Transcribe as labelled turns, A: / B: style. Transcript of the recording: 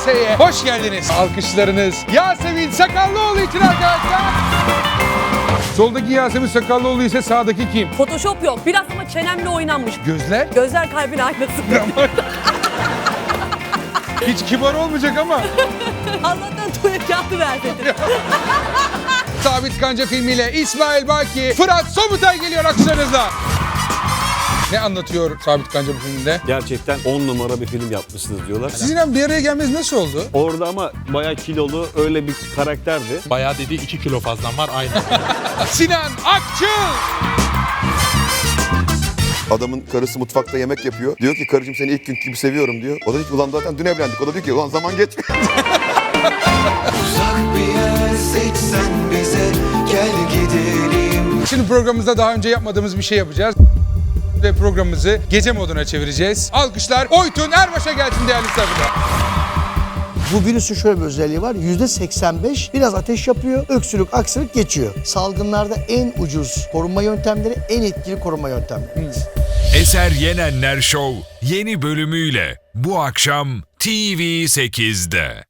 A: VS'ye hoş geldiniz. Alkışlarınız Yasemin Sakallıoğlu için arkadaşlar. Soldaki Yasemin Sakallıoğlu ise sağdaki kim?
B: Photoshop yok. Biraz ama çenemle oynanmış.
A: Gözler?
B: Gözler kalbin aynası.
A: Hiç kibar olmayacak ama.
B: Allah'tan tuvalet kağıdı vermedin.
A: Sabit Kanca filmiyle İsmail Baki, Fırat Sobutay geliyor alkışlarınızla. Ne anlatıyor Sabit Kanca bu filmde?
C: Gerçekten 10 numara bir film yapmışsınız diyorlar.
A: Sizinle bir araya gelmeniz nasıl oldu?
C: Orada ama bayağı kilolu öyle bir karakterdi.
D: Bayağı dedi 2 kilo fazlan var aynı.
A: Sinan Akçıl!
E: Adamın karısı mutfakta yemek yapıyor. Diyor ki karıcığım seni ilk gün gibi seviyorum diyor. O da diyor ki ulan zaten dün evlendik. O da diyor ki ulan zaman geçmiyor.
F: Uzak bir yer seçsen bize gel gidelim.
A: Şimdi programımızda daha önce yapmadığımız bir şey yapacağız. Ve programımızı gece moduna çevireceğiz. Alkışlar Oytun Erbaş'a gelsin değerli misafirler.
G: Bu virüsün şöyle bir özelliği var. %85 biraz ateş yapıyor, öksürük, aksırık geçiyor. Salgınlarda en ucuz korunma yöntemleri, en etkili korunma yöntemleri.
H: Eser Yenenler Show yeni bölümüyle bu akşam TV8'de.